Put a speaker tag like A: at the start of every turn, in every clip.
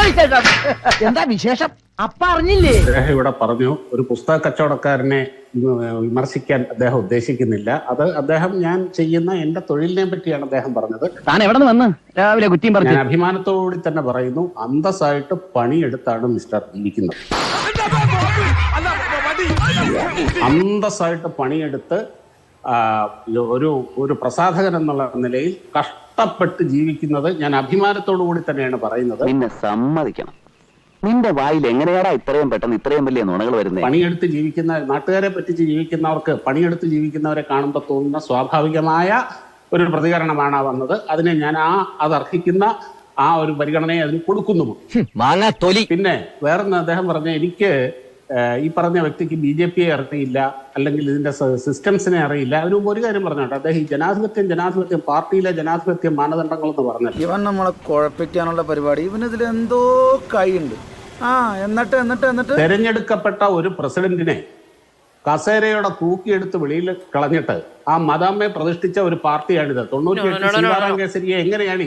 A: എന്താ വിശേഷം? അപ്പ അറിഞ്ഞില്ലേ?
B: അദ്ദേഹം ഇവിടെ പറഞ്ഞു ഒരു പുസ്തക കച്ചവടക്കാരനെ വിമർശിക്കാൻ അദ്ദേഹം ഉദ്ദേശിക്കുന്നില്ല. അത് അദ്ദേഹം ഞാൻ ചെയ്യുന്ന എന്റെ തൊഴിലിനെ പറ്റിയാണ് അദ്ദേഹം പറഞ്ഞത്.
A: താൻ എവിടെ നിന്ന് വന്ന് രാവിലെ കുറ്റിയും പറഞ്ഞു?
B: ഞാൻ അഭിമാനത്തോടുകൂടി തന്നെ പറയുന്നു, അന്തസ്സായിട്ട് പണിയെടുത്താണ് മിസ്റ്റർ ജീവിക്കുന്നത്. അന്തസ്സായിട്ട് പണിയെടുത്ത് ഒരു പ്രസാധകൻ എന്നുള്ള നിലയിൽ കഷ്ടപ്പെട്ട് ജീവിക്കുന്നത് ഞാൻ അഭിമാനത്തോടു കൂടി തന്നെയാണ് പറയുന്നത്.
C: നിന്നെ സമ്മതിക്കണം. നിന്റെ വായിൽ എങ്ങനെയാടാ ഇത്രയും പെട്ടെന്ന് ഇത്രയും വലിയ നുണകൾ വരുന്നത്?
B: പണിയെടുത്ത് ജീവിക്കുന്ന, നാട്ടുകാരെ പറ്റിച്ച് ജീവിക്കുന്നവർക്ക് പണിയെടുത്ത് ജീവിക്കുന്നവരെ കാണുമ്പോൾ തോന്നുന്ന സ്വാഭാവികമായ ഒരു പ്രതികരണമാണ് വന്നത്. അതിനെ ഞാൻ അത് അർഹിക്കുന്ന ആ ഒരു പരിഗണനയെ അതിന് കൊടുക്കുന്നു. പിന്നെ വേറൊന്ന് അദ്ദേഹം പറഞ്ഞ, എനിക്ക് ഈ പറഞ്ഞ വ്യക്തിക്ക് BJP അറിയില്ല, അല്ലെങ്കിൽ ഇതിന്റെ സിസ്റ്റംസിനെ അറിയില്ല. അതിന് മുമ്പ് ഒരു കാര്യം പറഞ്ഞോട്ടെ, അദ്ദേഹം ഈ ജനാധിപത്യം പാർട്ടിയിലെ ജനാധിപത്യ മാനദണ്ഡങ്ങൾ എന്ന് പറഞ്ഞത്
D: ഇവൻ നമ്മളെ കുഴപ്പിക്കാനുള്ള പരിപാടി, ഇവനിതിൽ എന്തോ കൈയുണ്ട്. എന്നിട്ട്
B: തെരഞ്ഞെടുക്കപ്പെട്ട ഒരു പ്രസിഡന്റിനെ കസേരയോടെ തൂക്കിയെടുത്ത് വെളിയിൽ കളഞ്ഞിട്ട് ആ മദാമ്മയെ പ്രതിഷ്ഠിച്ച ഒരു പാർട്ടിയാണിത്. 98 സീതാറാം കേസരിയെ എങ്ങനെയാണ്?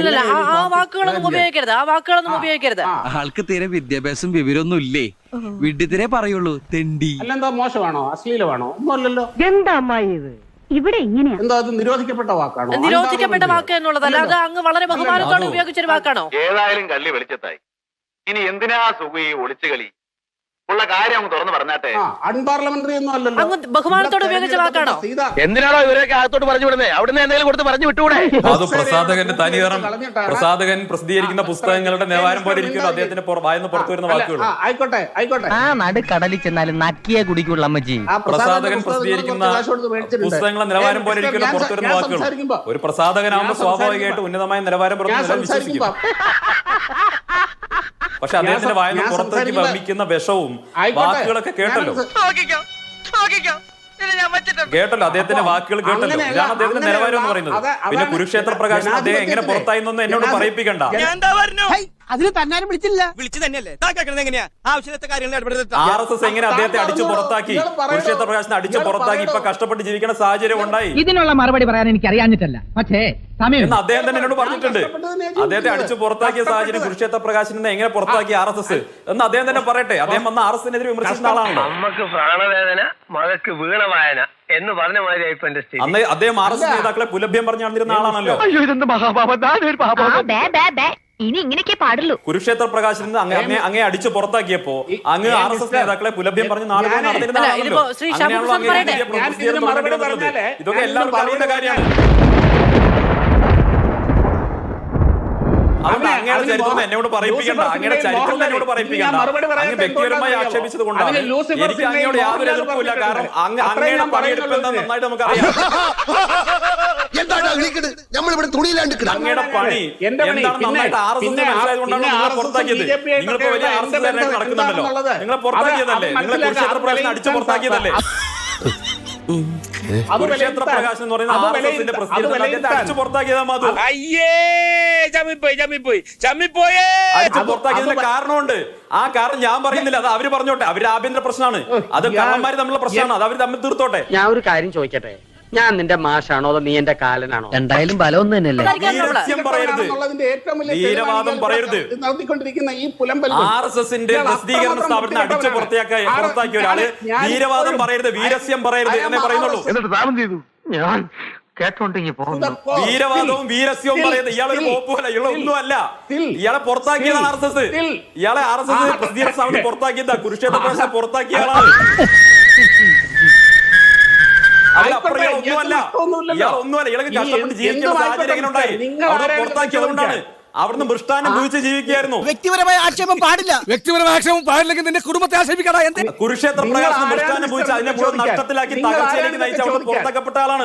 E: ആൾക്ക് തീരെ വിദ്യാഭ്യാസം വിവരമൊന്നും ഇല്ലേ? വിഡ്ഢിത്തിരെ പറയുള്ളൂ, തെണ്ടി.
B: അല്ലെന്താ മോശമാണോ, അശ്ലീലമാണോ? ഒന്നും അല്ലല്ലോ.
F: എന്താ അമ്മായി ഇത്? ഇവിടെ ഇങ്ങനെയാ?
B: എന്താ അത് നിരോധിക്കപ്പെട്ട വാക്കാണോ?
G: നിരോധിക്കപ്പെട്ട വാക്ക് എന്നുള്ളതല്ല, അത് അങ്ങ് വളരെ ബഹുമാനത്തോടെ ഉപയോഗിച്ചൊരു വാക്കാണോ?
C: ഏതായാലും കള്ളി വെളിച്ചത്തായി. ഇനി എന്തിനാ സുഖി ഒളിച്ചു കളി? ഉള്ള കാര്യം അങ്ങ് തുറന്നു പറഞ്ഞാട്ടെ.
B: അൺപാർലമെന്ററി ഒന്നും അല്ലല്ലോ.
G: അങ്ങ് ബഹുമാനത്തോടെ ഉപയോഗിച്ച വാക്കാണോ?
C: എന്തിനാണോ ഇവരൊക്കെ അകത്തോട്ട് പറഞ്ഞു വിടുന്നത്? അവിടുന്ന് എന്തെങ്കിലും കൊടുത്ത് പറഞ്ഞു വിട്ടുകൂടെ?
H: അത് പ്രസാധകന്റെ തനിതരം. പ്രസാധകൻ പ്രസിദ്ധീകരിക്കുന്ന പുസ്തകങ്ങളുടെ നിലവാരം പോലെ ഇരിക്കുന്നു അദ്ദേഹത്തിന്റെ വായന്ന് പുറത്തു വരുന്ന വാക്കുകൾ.
B: ആയിക്കോട്ടെ.
A: ആ നടുക്കടലിൽ ചെന്നാലും നക്കിയെ കുടിക്കുള്ള അമ്മച്ചി.
H: പ്രസാധകൻ പ്രസിദ്ധീകരിക്കുന്ന പുസ്തകങ്ങളുടെ നിലവാരം പോലെ ഇരിക്കുന്നു പുറത്തു വരുന്ന വാക്കുകൾ. ഒരു പ്രസാധകനാകുമ്പോൾ സ്വാഭാവികമായിട്ട് ഉന്നതമായ നിലവാരം പുറത്തു വിശ്വസിക്കും. പക്ഷെ അദ്ദേഹത്തിന്റെ വായന പുറത്തേക്ക് വമിക്കുന്ന വിഷവും വാക്കുകളൊക്കെ കേട്ടല്ലോ. അദ്ദേഹത്തിന്റെ വാക്കുകൾ കേട്ടല്ലോ. ഇതാണ് അദ്ദേഹത്തിന്റെ നിലവാരം എന്ന് പറയുന്നത്. പിന്നെ കുരുക്ഷേത്ര പ്രകാശനം അദ്ദേഹം എങ്ങനെ പുറത്തായി എന്നൊന്നും എന്നോട് പറയിപ്പിക്കണ്ട.
A: അതിന് തന്നാരും വിളിച്ചില്ല.
H: RSS എങ്ങനെ അദ്ദേഹത്തെ അടിച്ചു പുറത്താക്കി, കുരുക്ഷേത്ര പ്രകാശനെ അടിച്ചു പുറത്താക്കി ഇപ്പൊ കഷ്ടപ്പെട്ട് ജീവിക്കുന്ന സാഹചര്യം ഉണ്ടായി.
A: ഇതിനുള്ള മറുപടി പറയാൻ എനിക്ക് അറിയാഞ്ഞിട്ടല്ല, പക്ഷേ
H: എന്ന് അദ്ദേഹം തന്നെ എന്നോട് പറഞ്ഞിട്ടുണ്ട്. അദ്ദേഹത്തെ അടിച്ചു പുറത്താക്കിയ സാഹചര്യം കുരുക്ഷേത്ര പ്രകാശനെ എങ്ങനെ പുറത്താക്കി RSS എന്ന് അദ്ദേഹം തന്നെ പറയട്ടെ. അദ്ദേഹം വന്ന RSSനെതിരെ വിമർശിക്കുന്ന ആളാണല്ലോ.
C: നമുക്ക് പ്രാണവേദന, മകക്ക് വീണവായന എന്ന് പറഞ്ഞ മാതിരി
H: അന്ന് അദ്ദേഹം RSS നേതാക്കളെ പുലഭ്യം പറഞ്ഞു നടന്നിരുന്ന ആളാണല്ലോ.
F: ഇനി ഇങ്ങനെയൊക്കെ പാടുള്ളൂ.
H: കുരുക്ഷേത്ര പ്രകാശൻ അങ്ങേ അടിച്ചു പുറത്താക്കിയപ്പോ അങ്ങ് RSS നേതാക്കളെ പുലഭ്യം പറഞ്ഞ് നാളുകൾ നടന്നിരുന്ന ആളാണല്ലോ. ഇതൊക്കെ എല്ലാവർക്കും അറിയുന്ന കാര്യമാണ്. അതുകൊണ്ട് അങ്ങയുടെ ചരിത്രം എന്നോട് പറയിപ്പിക്കണ്ട. അങ്ങയുടെ ചരിത്രം എന്നോട് പറയിപ്പിക്കണ്ട. അങ്ങ് വ്യക്തിപരമായി ആക്ഷേപിച്ചത് കൊണ്ടാണ്. എനിക്ക് അങ്ങയോട് യാതൊരു എതിർപ്പില്ല. കാരണം അങ്ങയുടെ പണിയെടുക്കുന്നത് നന്നായിട്ട് നമുക്കറിയാം. അങ്ങയുടെ പണി എന്താണ് നന്നായിട്ട് RSS മനസ്സിലായതുകൊണ്ടാണ് നിങ്ങളെ പുറത്താക്കിയത്. നിങ്ങളിപ്പോ വലിയ RSS നടക്കുന്നുണ്ടല്ലോ. നിങ്ങളെ പുറത്താക്കിയതല്ലേ? നിങ്ങളെ കുരുക്ഷേത്ര പ്രകാശനം അടിച്ചു പുറത്താക്കിയതല്ലേ? കുരുക്ഷേത്ര പ്രകാശനം എന്ന് പറയുന്ന RSSന്റെ പ്രസിദ്ധീകരണത്തെ അടിച്ചു പുറത്താക്കിയതാ മാധു. അടിച്ചു പുറത്താക്കിയതിന്റെ കാരണമുണ്ട്. ആ കാരണം ഞാൻ പറയുന്നില്ല, അത് അവര് പറഞ്ഞോട്ടെ. അവരുടെ ആഭ്യന്തര പ്രശ്നമാണ്. അത് കള്ളന്മാര് തമ്മിലുള്ള പ്രശ്നമാണ്. അത് അവര് തമ്മിൽ തീർത്തോട്ടെ.
A: ഞാൻ ഒരു കാര്യം ചോദിക്കട്ടെ, ഞാൻ നിന്റെ മാഷാണോ അതോ നീ എന്റെ കാലനാണോ? എന്തായാലും ബലം ഒന്നും തന്നെയല്ലേ.
H: വീരസ്യം പറയരുത്, വീരവാദം പറയരുത്. RSSന്റെ പ്രസിദ്ധീകരണ സ്ഥാപനത്തിന് അടിച്ചു പുറത്താക്കിയ ഒരാള് വീരവാദം പറയരുത്, വീരസ്യം പറയരുത് എന്നേ പറയുന്നുള്ളൂ.
C: എന്നിട്ട് താമം ചെയ്തു ഞാൻ കേട്ടോണ്ടെങ്കിൽ പോകുന്നു.
H: വീരവാദവും വീരസ്യവും പറയുന്നത് ഇയാളൊരു പോപ്പുമല്ല, ഇയാളെ ഒന്നുമല്ല. ഇയാളെ പുറത്താക്കിയതാണ് RSS. ഇയാളെ RSS പ്രസിദ്ധീകരണ സ്ഥാപനം പുറത്താക്കിയതാ. കുരുക്ഷേത്ര പ്രകാശനം പുറത്താക്കിയ ആളാണ്. ഒന്നുമല്ല. ഇയാൾക്ക് കഷ്ടപ്പെട്ട് ജീവിക്കുന്ന സാഹചര്യം എങ്ങനെ ഉണ്ടായി? അവിടെ പുറത്താക്കിയത് കൊണ്ടാണ്. അവിടുന്ന് മൃഷ്ടാനം ഭൂജിച്ച് ജീവിക്കുകയായിരുന്നു.
A: വ്യക്തിപരമായ ആക്ഷേപം പാടില്ല. വ്യക്തിപരമായ ആക്ഷേപം പാടില്ലെങ്കിൽ നിന്റെ കുടുംബത്തെ ആക്ഷേപിക്കടാ.
H: കുരുക്ഷേത്ര പ്രകാശനം മൃഷ്ടാനം ഭൂജിച്ച് അതിനെ മുഴുവൻ നഷ്ടത്തിലാക്കി തകർച്ചയിലേക്ക് നയിച്ച് അവിടെ പുറത്താക്കപ്പെട്ട ആളാണ്.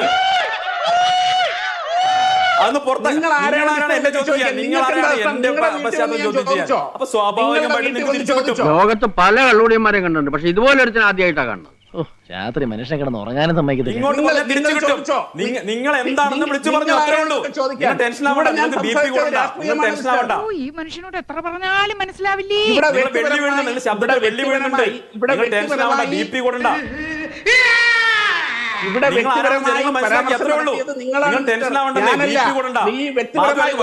H: അന്ന് പുറത്താക്കാനാണ് എന്റെ ചോദ്യം ചെയ്യാൻ. നിങ്ങളാരാണ് എന്റെ പശ്ചാത്തലം ചോദ്യം ചെയ്യാൻ? അപ്പൊ സ്വാഭാവികമായിട്ട് നിങ്ങൾക്ക് തിരിച്ചു കിട്ടും.
C: ലോകത്ത് പല കള്ളുടിയന്മാരെയും കണ്ടിട്ടുണ്ട്, പക്ഷെ ഇതുപോലെ ഒരുത്തിന് ആദ്യമായിട്ടാണ് കാണുന്നത്.
A: രാത്രി മനുഷ്യനെ കിടന്ന് ഉറങ്ങാനും സമ്മതിക്കത്തില്ല.
H: ഇങ്ങോട്ട് തിരിച്ചു കിട്ടും. നിങ്ങൾ എന്താണെന്ന് വിളിച്ചു പറഞ്ഞു, അത്രേ ഉള്ളൂ. ടെൻഷൻ ആവണ്ട. നിങ്ങൾക്ക് BP കൂടണ്ട. നിങ്ങൾ ടെൻഷൻ ആവണ്ട.
F: ഈ മനുഷ്യനോട് എത്ര പറഞ്ഞാലും മനസ്സിലാവില്ലേ.
H: വെള്ളി വീഴുന്നുണ്ട്, ശബ്ദത്തിൽ വെള്ളി വീഴുന്നുണ്ട്. നിങ്ങൾ ടെൻഷൻ ആവണ്ട, BP കൂടണ്ട.
B: ഇവിടെ വ്യക്തിപരമായി പരാമർശം നടത്തിയത് നിങ്ങളാണ്. ഞാനല്ല. നീ വ്യക്തിപരമായി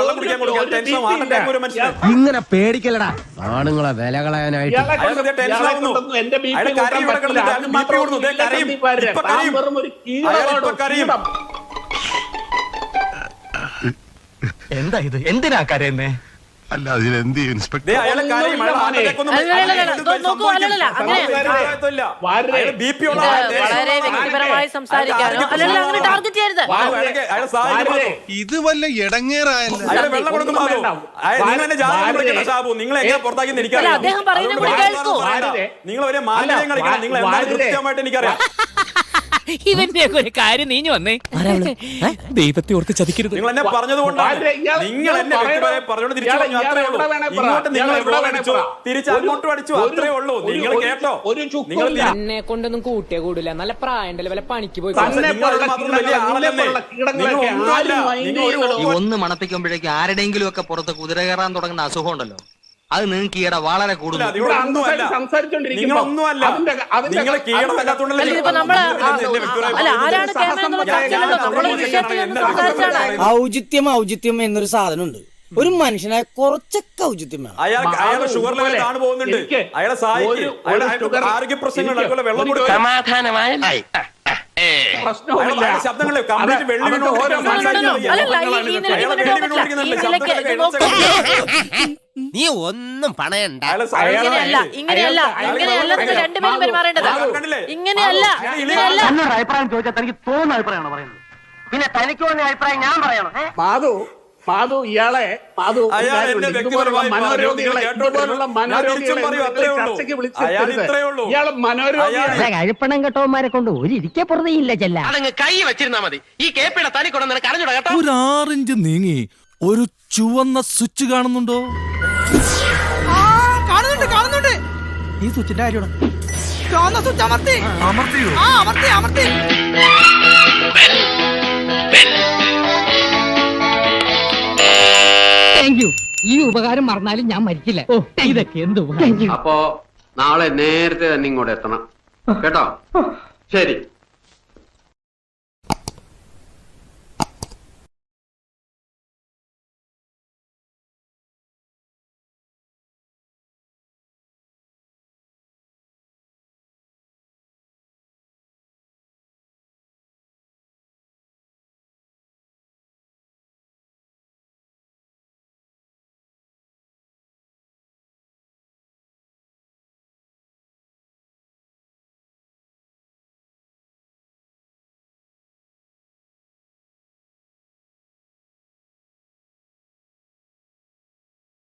A: ഇങ്ങനെ പേടിക്കലടാ ആണുങ്ങളെ വില കളയാനായിട്ട്.
B: ഇയാളെ കൊണ്ടൊന്നും എന്റെ ബി പി കൂട്ടാൻ പറ്റില്ല. അത് മാത്രമല്ല, താൻ വെറും ഒരു കീടമാണ്.
A: എന്താ ഇത്? എന്തിനാ കരയുന്നേ?
I: അല്ല അതിലെന്ത് ഇൻസ്പെക്ടർ
G: വളരെ വ്യക്തിപരമായി സംസാരിക്കാനോ അല്ലെങ്കിൽ അങ്ങനെ ടാർഗറ്റ് ചെയ്യരുത്.
I: ഇത് വല്ല ഇടങ്ങേറായല്ല.
G: അദ്ദേഹം പറയുന്നത് കൂടി കേൾക്കൂ.
H: നിങ്ങൾ ഒരു മാലിന്യം കളിക്കണം. നിങ്ങൾ എന്തായാലും കൃത്യമായിട്ട് എനിക്കറിയാം.
E: ഇവന്റെ ഒരു കാര്യം നീഞ്ഞു വന്നേ. ദൈവത്തെ ഓർത്ത് ചതിക്കരുത്.
H: നിങ്ങൾ എന്നെ പറഞ്ഞതുകൊണ്ടാണ്. നിങ്ങൾ എന്നെ വ്യക്തിപരമായി പറഞ്ഞോണ്ട് തിരിച്ചു പറഞ്ഞു. അത്രേ ഉള്ളൂ. ഇങ്ങോട്ട് നിങ്ങൾ ഇവിടെ അടിച്ചു, തിരിച്ച് അങ്ങോട്ടും അടിച്ചു. അത്രേ ഉള്ളൂ. നിങ്ങൾ കേട്ടോ? നിങ്ങൾ
J: എന്നെ കൊണ്ടൊന്നും കൂട്ടിയേ കൂടില്ല. നല്ല പ്രായണ്ടല്ലേ, വല്ല പണിക്ക് പോയി.
A: ഒന്ന് മണപ്പിക്കുമ്പോഴേക്കും ആരുടെയെങ്കിലും ഒക്കെ പുറത്ത് കുതിര കയറാൻ തുടങ്ങുന്ന അസുഖം ഉണ്ടല്ലോ, അത് നിങ്ങൾക്ക് ഈയിടെ വളരെ കൂടുതൽ.
H: നിങ്ങളൊന്നുമല്ല. നിങ്ങൾ
J: ഔചിത്യം എന്നൊരു സാധനമുണ്ട്. ഒരു മനുഷ്യനായ കുറച്ചൊക്കെ ഔചിത്യം വേണം.
H: അയാൾ ഷുഗർ ലെവൽ താണു പോകുന്നുണ്ട്. അയാളെ സഹായിക്കും. ആരോഗ്യ പ്രശ്നങ്ങൾ വെള്ളം കൊടുക്കും.
A: സമാധാനമായി
H: ശബ്ദങ്ങളെ കംപ്ലീറ്റ് വെള്ളി
E: നീ ഒന്നും പണയണ്ട.
G: ഇങ്ങനെയല്ല രണ്ടുപേരും പെരുമാറേണ്ടത്. ഇങ്ങനെയല്ല.
A: അഭിപ്രായം ചോദിച്ചാൽ തനിക്ക് തോന്നുന്ന അഭിപ്രായമാണ് പറയുന്നത്. പിന്നെ തനിക്ക് തോന്നിയ അഭിപ്രായം ഞാൻ പറയണം.
B: മാധു ഇയാളെ മനോരോഗികളെ ചർച്ചയ്ക്ക് വിളിച്ചിരുത്തരുത്. ഇയാള് മനോരോഗിയാണ്.
A: കഴിപ്പണം കെട്ടവന്മാരെ കൊണ്ട് ഒരു ഇരിക്കെ പുറത്തേയില്ല ചെല്ല. അതങ്ങ് കൈ വെച്ചിരുന്നാ മതി. ഈ കേപ്പിടെ തനി കൊണ്ടു നിനക്ക് അറിഞ്ഞൂടാ കേട്ടോ.
E: ഒരു 6 ഇഞ്ച് നീങ്ങി ഒരു ചുവന്ന സ്വിച്ച് കാണുന്നുണ്ടോ?
J: കാണുന്നുണ്ട്. ഈ സ്വിച്ചിന്റെ കാര്യമാണ്. ചുവന്ന സ്വിച്ച് അമർത്തിയോ? അമർത്തി.
A: ഈ ഉപകാരം മറന്നാലും ഞാൻ മരിക്കില്ല. ഇതൊക്കെ എന്ത്
C: അപ്പോ നാളെ നേരത്തെ തന്നെ ഇങ്ങോട്ട് എത്തണം കേട്ടോ. ശരി.